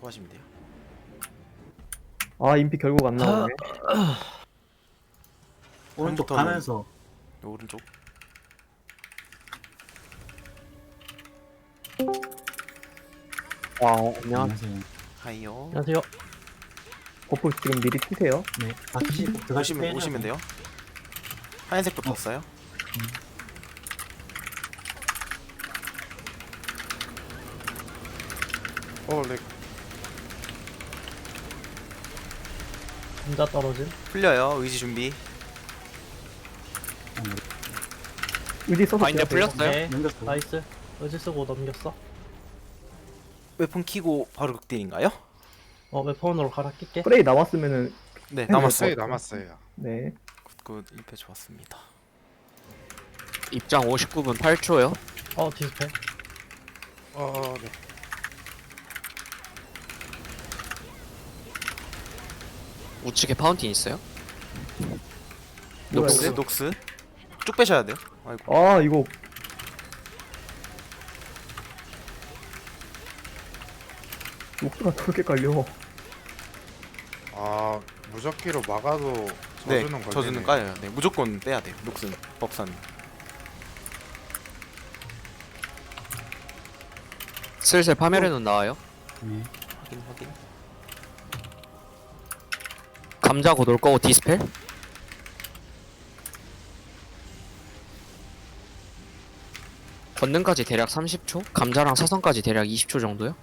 하시면 돼요. 아 인피 결국 안 나오네. 오른쪽 처음부터는- 가면서 오른쪽. 안녕. 안녕하세요. 하이요. 안녕하세요. 버프 지금 미리 치세요. 네, 다시 들어가시면 오시면 돼요. 하얀색도 떴어요. 렉. 감자 떨어짐. 풀려요. 의지 준비. 의지 써서 바인드 그냥 돼요. 풀렸어요? 네. 넘겼어. 나이스. 의지 쓰고 넘겼어. 웨폰 키고 바로 극딜인가요? 웨폰으로 갈아 낄게. 프레이 남았으면은 네, 남았어요. 남았어요. 네. 굿 1패 좋았습니다. 입장 59분 8초요. 디스플레이. 네. 우측에 파운틴 있어요? 뭐야, 녹스, 이거? 녹스. 쭉 빼셔야 돼요. 아이고. 아 이거 녹수가 저렇게 깔려. 아 무적기로 막아도 네, 저주는 걸리네. 저주는 까요. 네, 무조건 빼야 돼요. 녹슨, 법산. 슬슬 파멸해놓은 나와요. 네. 확인. 감자 곧 올 거고 디스펠. 권능까지 대략 30초. 감자랑 사선까지 대략 20초 정도요.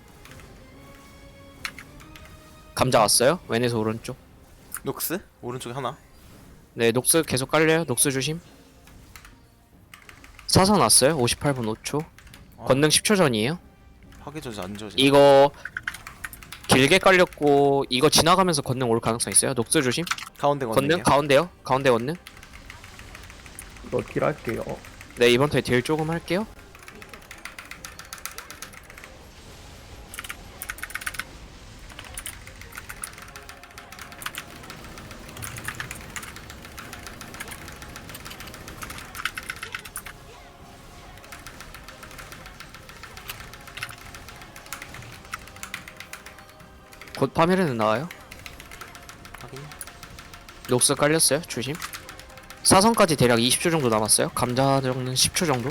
감자 왔어요. 왼에서 오른쪽. 녹스 오른쪽에 하나. 네, 녹스 계속 깔려요. 녹스 조심. 사선 왔어요. 58분 5초. 아, 권능 10초 전이에요. 파괴 저주 안 저지. 이거 길게 깔렸고 이거 지나가면서 권능 올 가능성 있어요. 녹스 조심. 가운데 권능 건능이요. 가운데요. 가운데 권능. 이거 딜할게요. 네, 이번 턴에 딜 조금 할게요. 곧 파멸에는 나와요. 확인. 녹스 깔렸어요. 조심. 사선까지 대략 20초 정도 남았어요. 감자 정는 10초 정도.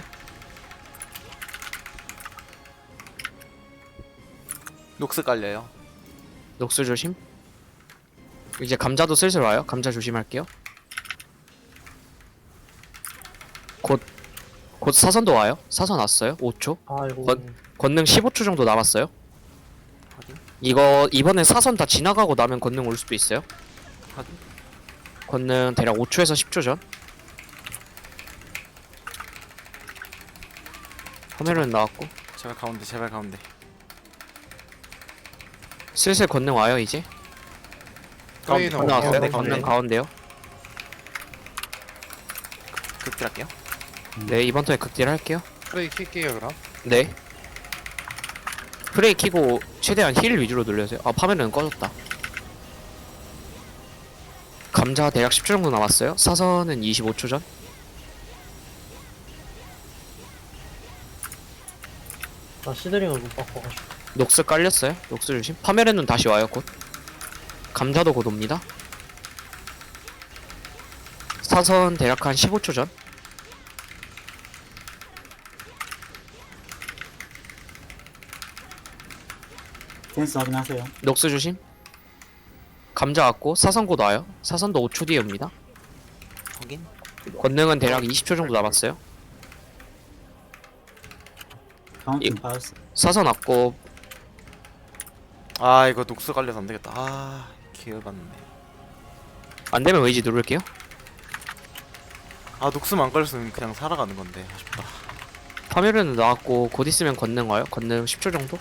녹스 깔려요. 녹스 조심. 이제 감자도 슬슬 와요. 감자 조심할게요. 곧 사선도 와요. 사선 왔어요. 5초. 아이고. 권능 15초 정도 남았어요. 확인. 이거 이번에 사선 다 지나가고 나면 권능 올 수도 있어요. 확인. 권능 대략 5초에서 10초 전. 화면은 나왔고 제발 가운데. 슬슬 권능 와요 이제. 프레이는 권능 왔어요. 가운데, 권능 가운데요. 극딜할게요. 네, 이번 턴에 극딜 할게요. 프레이 킬게요 그럼. 네. 프레이 키고 최대한 힐 위주로 늘려주세요. 아, 파면은 꺼졌다. 감자 대략 10초 정도 남았어요. 사선은 25초 전. 나 시드링을 못 바꿔가지고. 녹스 깔렸어요. 녹스 조심. 파멸의 눈 다시 와요 곧. 감자도 곧 옵니다. 사선 대략 한 15초 전. 센스 확인하세요. 녹스 조심. 감자 왔고 사선 곧 와요. 사선도 5초 뒤에 옵니다. 확인. 권능은 대략 20초 정도 남았어요. 카운팅 받았어. 사선 왔고 아 이거 녹스 깔려서 안 되겠다. 아 기회받네. 안 되면 웨이지 누를게요. 아 녹스만 안 깔렸으면 그냥 살아가는 건데 아쉽다. 파멸은 나왔고 곧 있으면 권능 와요. 권능 10초 정도.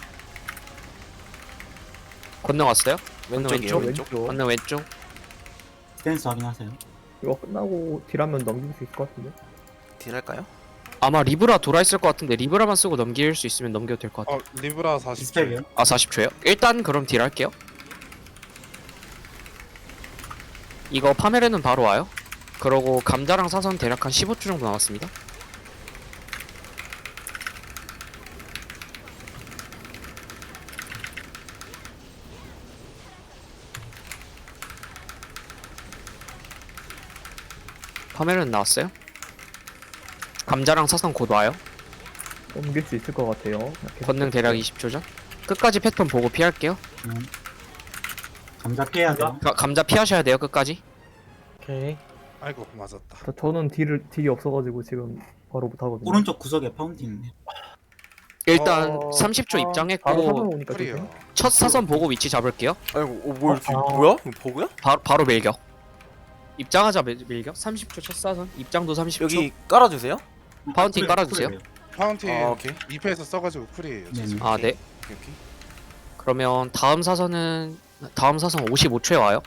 권능 왔어요. 권능 왼쪽이에요. 왼쪽. 왼쪽. 권능 왼쪽. 센스 확인하세요. 이거 끝나고 딜하면 넘길 수 있을 것 같은데. 딜할까요? 아마 리브라 돌아 있을 것 같은데 리브라만 쓰고 넘길 수 있으면 넘겨도 될 것 같아요. 리브라 40초. 디스펠이요. 아 40초요? 일단 그럼 딜 할게요. 이거 파멸에는 바로 와요. 그러고 감자랑 사선 대략 한 15초 정도 남았습니다. 화면은 나왔어요. 감자랑 사선 곧 와요. 넘길 수 있을 것 같아요. 이렇게 권능 대략 20초 전. 끝까지 패턴 보고 피할게요. 감자 피해야 돼요. 감자 피하셔야 돼요, 끝까지. 오케이. 아이고 맞았다. 저는 딜이 없어가지고 지금 바로 못하거든요. 오른쪽 구석에 파운틴 있네. 일단 어, 30초 바로 사선 입장했고 오니까 프리요. 조심. 첫 사선 보고 위치 잡을게요. 아이고 뭘 지금 아. 뭐야? 이거 버그야? 바로 밀격. 입장하자 밀격. 30초 첫 사선. 입장도 30초. 여기 깔아주세요. 파운틴 쿨, 깔아주세요. 쿨이에요. 파운틴 아 오케이 2패에서 써가지고 쿨이에요. 네. 아, 네. 오케이. 그러면 다음 사선 55초에 와요.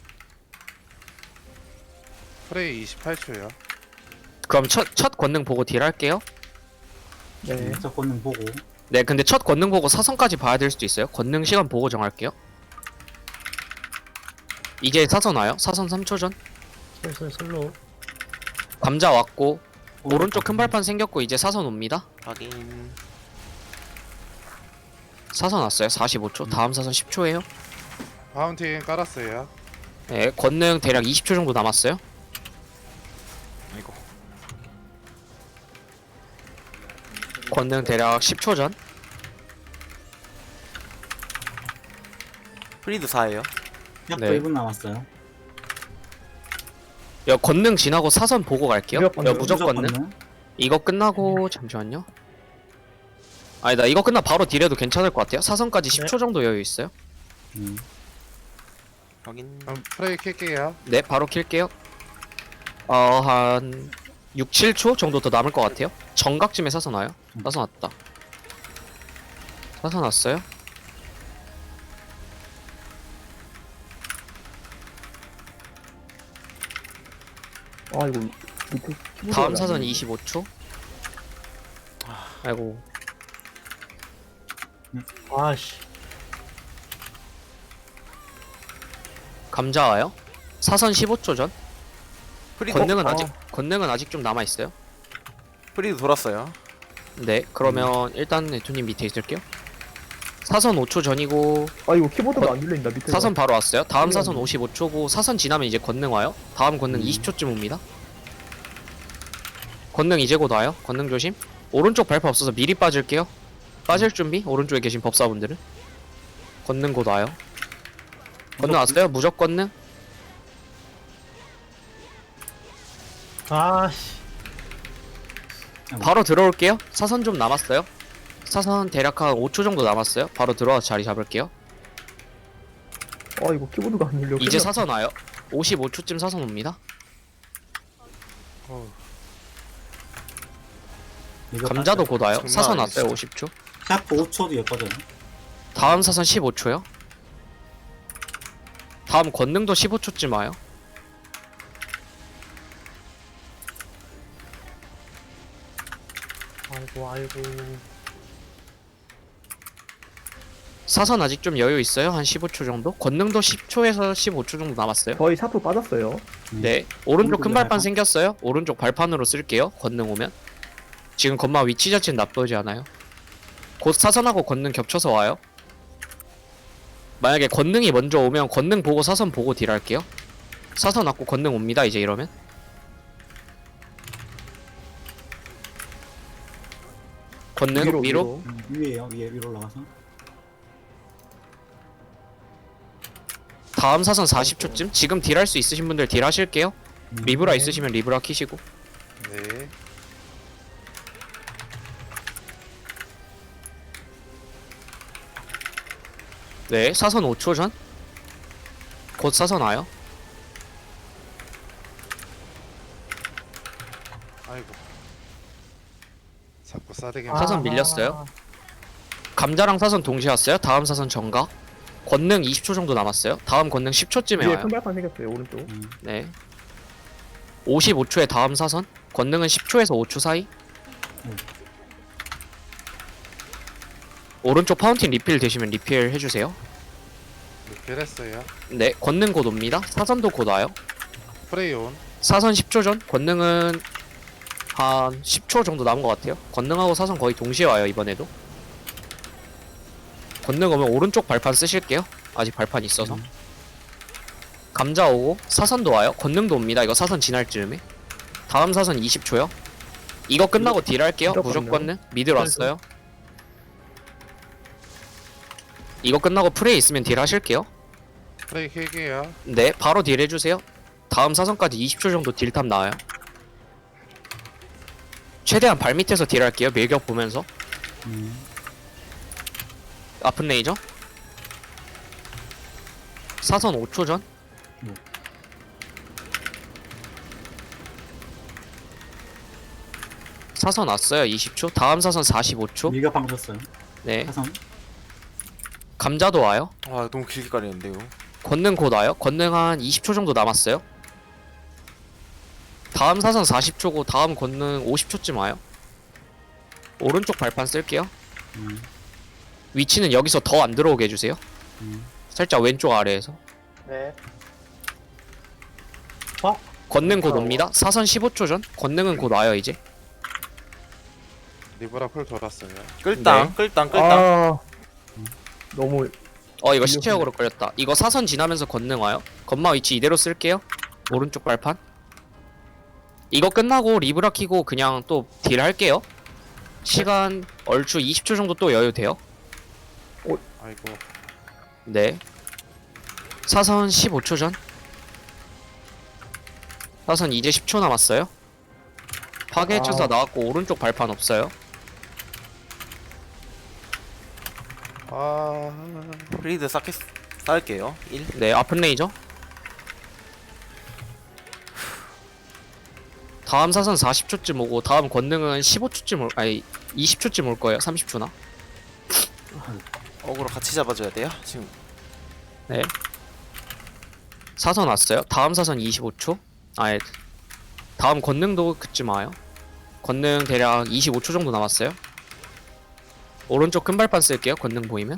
프레이 28초요. 그럼 첫 권능 보고 딜 할게요. 네. 저 권능 보고. 네, 근데 첫 권능 보고 사선까지 봐야 될 수도 있어요. 권능 시간 보고 정할게요. 이제 사선 와요. 사선 3초 전. 슬슬 슬로우. 감자 왔고 오른쪽 큰 발판 생겼고 이제 사선 옵니다. 확인. 사선 왔어요. 45초. 다음 사선 10초예요. 파운틴 깔았어요. 네, 권능 대략 20초 정도 남았어요. 아이고. 권능 대략 10초 전. 프리드 4예요. 약도 네. 1분 남았어요. 여 권능 지나고 사선 보고 갈게요. 무적 권능. 무적 권능. 이거 끝나고 잠시만요. 아니다, 이거 끝나 바로 딜해도 괜찮을 것 같아요. 사선까지 네. 10초 정도 여유 있어요. 확인. 그럼 프레이 킬게요. 네, 바로 킬게요. 한 6, 7초 정도 더 남을 것 같아요. 정각쯤에 사선 와요. 사선 왔다. 사선 왔어요. 아 이거 밑에 키보드가 다음 안 사선 되네. 25초. 아이고, 아씨. 감자 와요. 사선 15초 전. 프리드 권능은 아직 좀 남아 있어요. 프리드 돌았어요. 네, 그러면 일단 네토님 밑에 있을게요. 사선 5초 전이고 아 이거 키보드가 안 눌린다 밑에. 사선 바로 왔어요. 다음 네. 사선 55초고 사선 지나면 이제 권능 와요. 다음 권능 20초쯤 옵니다. 권능 이제 곧 와요. 권능 조심. 오른쪽 발판 없어서 미리 빠질게요. 빠질 준비. 오른쪽에 계신 법사분들은 권능 곧 와요. 권능 왔어요. 무적 권능. 아씨. 바로 들어올게요. 사선 좀 남았어요. 사선 대략 한 5초 정도 남았어요. 바로 들어와서 자리 잡을게요. 아 이거 키보드가 안 눌려. 이제 사선 와요. 55초쯤 사선 옵니다. 감자도 곧 와요. 장난 사선 아니지, 왔어요. 진짜. 50초. 샤프 5초 뒤에 꺼져요. 다음 사선 15초요. 다음 권능도 15초쯤 와요. 아이고. 사선 아직 좀 여유 있어요. 한 15초 정도. 권능도 10초에서 15초 정도 남았어요. 저희 샤프 빠졌어요. 네. 오른쪽 큰 오른쪽에 발판 발판? 생겼어요. 오른쪽 발판으로 쓸게요. 권능 오면. 지금 건마 위치 자체는 나쁘지 않아요. 곧 사선하고 권능 겹쳐서 와요. 만약에 권능이 먼저 오면 권능 보고 사선 보고 딜할게요. 사선 왔고 권능 옵니다. 이제 이러면. 권능 위로. 위에요. 위로 올라가서. 다음 사선 40초쯤. 지금 딜할 수 있으신 분들 딜하실게요. 리브라 있으시면 리브라 키시고. 네. 네, 사선 5초 전. 곧 사선 와요. 아이고. 자꾸 싸대기. 사선 밀렸어요. 감자랑 사선 동시에 왔어요. 다음 사선 정각. 권능 20초 정도 남았어요. 다음 권능 10초쯤에 위에 와요. 큰 발판 생겼어요 오른쪽. 네. 55초에 다음 사선. 권능은 10초에서 5초 사이. 오른쪽 파운틴 리필 되시면 리필 해주세요. 리필했어요. 네, 권능 곧 옵니다. 사선도 곧 와요. 프레이 온. 사선 10초 전. 권능은 한 10초 정도 남은 것 같아요. 권능하고 사선 거의 동시에 와요. 이번에도. 권능 오면 오른쪽 발판 쓰실게요. 아직 발판 있어서. 감자 오고 사선도 와요. 권능도 옵니다. 이거 사선 지날 즈음에. 다음 사선 20초요. 이거 끝나고 딜 할게요. 무조건요. 무조건은 미들 왔어요. 이거 끝나고 프레이 있으면 딜 하실게요. 프레이 킬게요. 네, 바로 딜 해주세요. 다음 사선까지 20초 정도 딜탑 나와요. 최대한 발 밑에서 딜 할게요. 밀격 보면서. 아픈 레이저. 사선 5초 전. 네. 사선 왔어요. 20초. 다음 사선 45초. 밀가 방졌어요. 네. 사선. 감자도 와요. 와 너무 길게 가리는데요. 권능 곧 와요. 권능 한 20초 정도 남았어요. 다음 사선 40초고 다음 권능 50초쯤 와요. 오른쪽 발판 쓸게요. 위치는 여기서 더 안 들어오게 해주세요. 살짝 왼쪽 아래에서. 네. 권능 곧 옵니다. 사선 15초 전. 권능은 곧 와요 이제. 리브라 쿨 돌았어요. 끌당 네. 끌당 끌당. 아 너무 이거 시체역으로 걸렸다. 이거 사선 지나면서 권능 와요. 건마 위치 이대로 쓸게요. 오른쪽 발판. 이거 끝나고 리브라 키고 그냥 또 딜 할게요. 시간 얼추 20초 정도 또 여유 돼요. 아이고. 네. 사선 15초 전. 사선 이제 10초 남았어요. 파괴 천사 나왔고 오른쪽 발판 없어요. 아. 프리드 쌓을게요. 1. 네, 아픈 레이저. 다음 사선 40초쯤 오고 다음 권능은 15초쯤 아니 20초쯤 올 거예요. 30초나. 어그로 같이 잡아줘야 돼요. 지금 네. 사선 왔어요. 다음 사선 25초. 아예 다음 권능도 그쯤 와요. 권능 대략 25초 정도 남았어요. 오른쪽 큰 발판 쓸게요. 권능 보이면.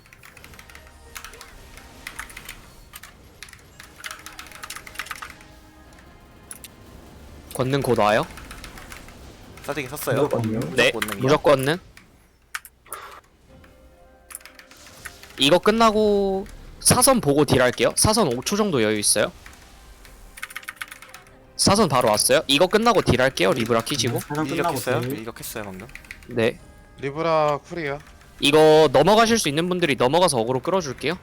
권능 곧 와요. 싸대기 섰어요. 무조건요. 네, 권능이요. 무조건은. 이거 끝나고 사선 보고 딜 할게요. 사선 5초 정도 여유 있어요. 사선 바로 왔어요. 이거 끝나고 딜 할게요. 리브라 키시고. 사선 끝나고 밀격했어요. 딜. 밀격했어요 방금. 네. 리브라 쿨이요. 이거 넘어가실 수 있는 분들이 넘어가서 어그로 끌어줄게요.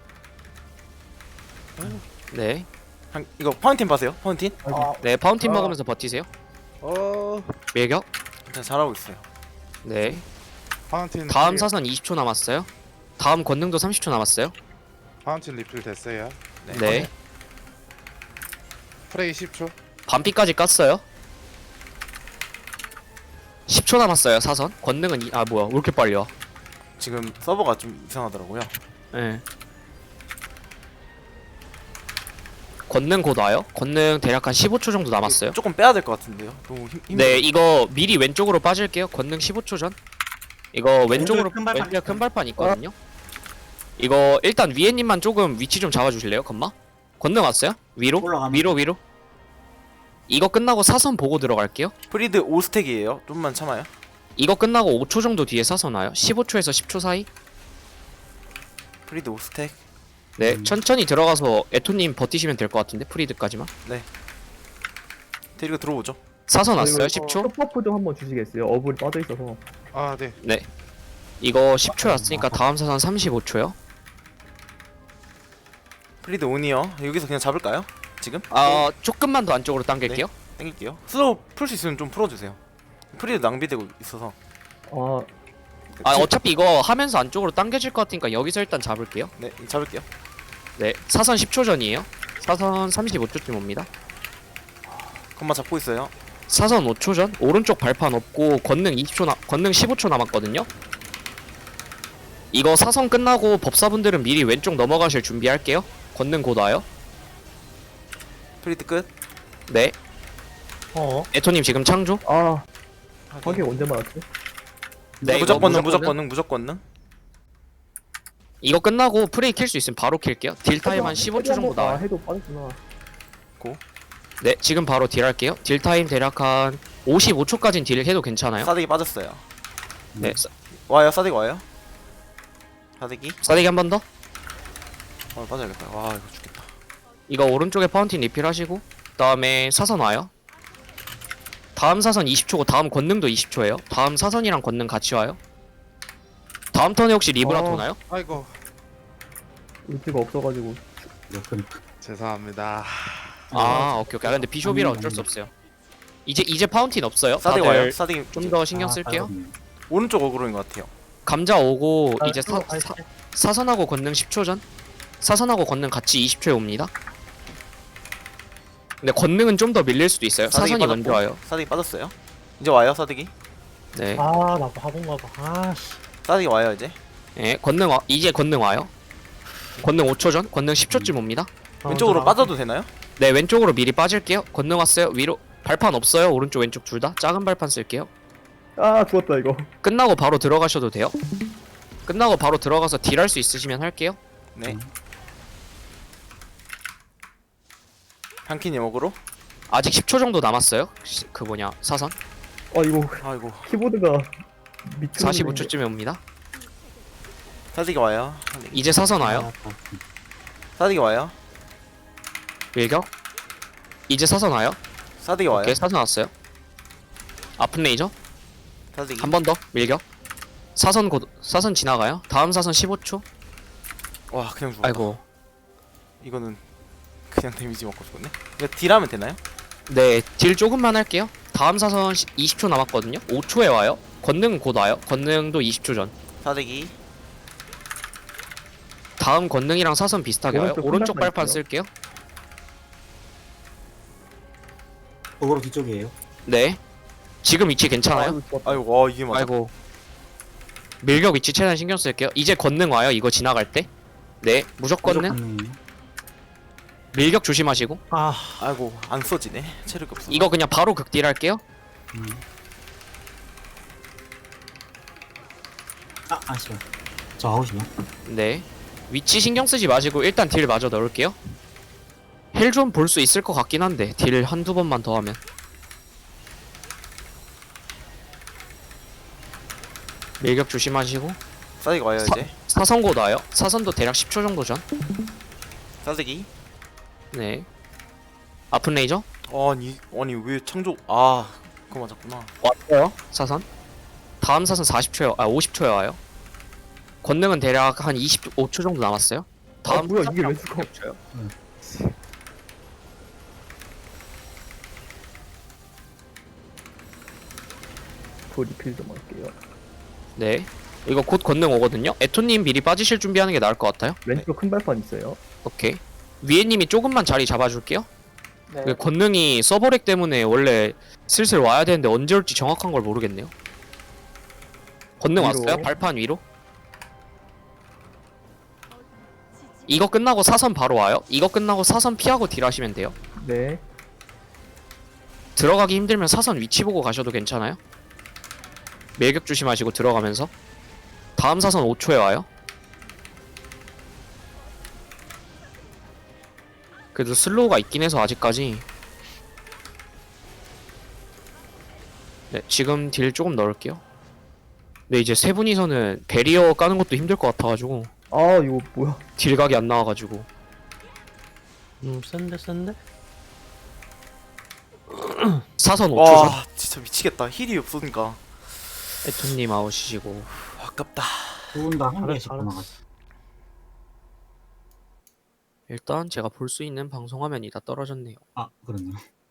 네. 이거 파운틴 봐세요. 파운틴. 네, 파운틴 먹으면서 버티세요. 밀격. 진짜 잘하고 있어요. 네. 파운틴. 다음 쿨이요. 사선 20초 남았어요. 다음 권능도 30초 남았어요. 파운틴 리필 됐어요. 네. 프레이 10초. 반피까지 깠어요. 10초 남았어요. 사선. 권능은 뭐야? 왜 이렇게 빨리 와? 지금 서버가 좀 이상하더라고요. 네. 권능 곧 와요. 권능 대략 한 15초 정도 남았어요. 조금 빼야 될 것 같은데요. 너무 힘. 네, 이거 미리 왼쪽으로 빠질게요. 권능 15초 전. 이거 왼쪽으로 큰 발판 왼쪽에 큰 발판 있거든요. 이거 일단 위에님만 조금 위치 좀 잡아주실래요, 건마? 권능 왔어요? 위로? 올라가면. 위로. 이거 끝나고 사선 보고 들어갈게요. 프리드 5스택이에요. 좀만 참아요. 이거 끝나고 5초 정도 뒤에 사선 와요. 15초에서 10초 사이. 프리드 5스택. 네, 천천히 들어가서 에토님 버티시면 될 것 같은데 프리드까지만. 데리고 들어오죠. 사선 왔어요. 그리고 10초. 서퍼프 좀 한번 주시겠어요? 어불이 빠져 있어서. 아 네. 네. 이거 10초 왔으니까 다음 사선 35초요. 프리드 온이요. 여기서 그냥 잡을까요? 지금? 조금만 더 안쪽으로 당길게요. 땡길게요. 슬로우 풀 수 있으면 좀 풀어주세요. 프리드 낭비되고 있어서. 어차피 이거 하면서 안쪽으로 당겨질 것 같으니까 여기서 일단 잡을게요. 네, 잡을게요. 네, 사선 10초 전이에요. 사선 35초쯤 옵니다. 건마 잡고 있어요. 사선 5초 전. 오른쪽 발판 없고 권능 15초 남았거든요. 이거 사선 끝나고 법사분들은 미리 왼쪽 넘어가실 준비할게요. 권능 곧 와요. 프리드 끝. 네. 에토님 지금 창조. 파괴 언제 맞았지? 네, 무조건 이거 능, 무조건 능, 무조건 능. 이거 끝나고 프레이 킬 수 있으면 바로 킬게요. 딜 타임 한 15초 정도 나와요. 해도 빠졌구나. 네, 지금 바로 딜 할게요. 딜 타임 대략 한 55초까지는 딜 해도 괜찮아요. 싸대기 빠졌어요. 네, 와요, 싸대기 와요. 싸대기. 싸대기 한 번 더. 빠져야겠다. 와, 이거 죽겠다. 이거 오른쪽에 파운틴 리필 하시고 그다음에 사선 와요. 다음 사선 20초고 다음 권능도 20초예요. 다음 사선이랑 권능 같이 와요. 다음 턴에 혹시 리브라 어. 도나요? 아이고 울트가 없어가지고. 네, 그러니까. 죄송합니다. 아 오케이 오케이. 아, 근데 비숍이라 어쩔 수 없어요. 이제 파운틴 없어요. 사대기 와요. 다들 사대기 좀 더 신경 아, 쓸게요. 알겠네요. 오른쪽 어그로인 것 같아요. 감자 오고 아, 이제 아, 사선하고 권능 10초 전. 사선하고 권능 같이 20초에 옵니다. 근데 권능은 좀 더 밀릴 수도 있어요. 사대기 사선이 빠졌고, 먼저 와요. 사대기 빠졌어요. 이제 와요 사대기. 네. 아나 바본가 봐. 아씨. 사대기 와요 이제. 예, 권능 이제 권능 와요. 권능 5초 전, 권능 10초쯤 옵니다. 왼쪽으로 빠져도 되나요? 네, 왼쪽으로 미리 빠질게요. 권능 왔어요. 위로 발판 없어요. 오른쪽 왼쪽 둘 다. 작은 발판 쓸게요. 아 죽었다 이거. 끝나고 바로 들어가셔도 돼요. 끝나고 바로 들어가서 딜할 수 있으시면 할게요. 네. 향키님 어그로. 아직 10초 정도 남았어요. 그 뭐냐 사선. 아 이거 아이고. 키보드가 미친. 45초쯤에 옵니다. 사대기 와요. 사대기. 이제 사선 와요. 사대기 와요. 밀격. 이제 사선 와요. 사대기 와요. 오케이, 사선 왔어요. 아픈 레이저. 사대기. 한 번 더 밀격. 사선 지나가요. 다음 사선 15초. 와 그냥 죽었다. 아이고. 이거는 그냥 데미지 먹고 죽었네. 이거 딜하면 되나요? 네, 딜 조금만 할게요. 다음 사선 20초 남았거든요. 5초에 와요. 권능 곧 와요. 권능도 20초 전. 사대기. 다음 권능이랑 사선 비슷하게 와요. 오른쪽 오른쪽 큰발판 발판 있어요. 쓸게요. 어그로 뒤쪽이에요. 네. 지금 위치 괜찮아요? 아이고, 죽었다. 아이고 와 이게 맞아. 아이고. 밀격 위치 최대한 신경 쓸게요. 이제 권능 와요. 이거 지나갈 때. 네, 무조건은 무조건능이에요. 밀격 조심하시고. 아 아이고 안 써지네. 체력이 없어. 이거 그냥 바로 극딜 할게요. 아 아쉬워. 저 아웃이요. 네. 위치 신경 쓰지 마시고 일단 딜 마저 넣을게요. 헬 좀 볼 수 있을 것 같긴 한데 딜 한두 번만 더 하면. 밀격 조심하시고. 사대기 와요 이제. 사선 곧 와요. 사선도 대략 10초 정도 전. 사대기. 네. 아픈 레이저 아니 왜 창조 그거 맞았구나. 왔어요. 사선. 다음 사선 40초에 50초에 와요. 권능은 대략 한 25초 정도 남았어요. 아 뭐야 이게 왜 사선이랑 죽어? 겹쳐요. 그 리필 좀 할게요. 네. 이거 곧 권능 오거든요. 에토님 미리 빠지실 준비하는 게 나을 것 같아요. 왼쪽 큰 발판 있어요. 오케이. 위에님이 조금만 자리 잡아줄게요. 네. 그 권능이 서버렉 때문에 원래 슬슬 와야 되는데 언제 올지 정확한 걸 모르겠네요. 권능 위로. 왔어요? 발판 위로? 이거 끝나고 사선 바로 와요. 이거 끝나고 사선 피하고 딜하시면 돼요. 네. 들어가기 힘들면 사선 위치 보고 가셔도 괜찮아요. 밀격 조심하시고 들어가면서. 다음 사선 5초에 와요. 그래도 슬로우가 있긴 해서 아직까지. 네, 지금 딜 조금 넣을게요. 근데 이제 세 분이서는 베리어 까는 것도 힘들 것 같아가지고 아 이거 뭐야? 딜각이 안 나와가지고. 센데. 사선 5초 전. 와 진짜 미치겠다. 힐이 없으니까. 에토님 아웃이시고. 아깝다. 두 분 다 한 알았어, 개씩 알았어. 나갔어. 일단 제가 볼 수 있는 방송 화면이 다 떨어졌네요. 아 그렇네요.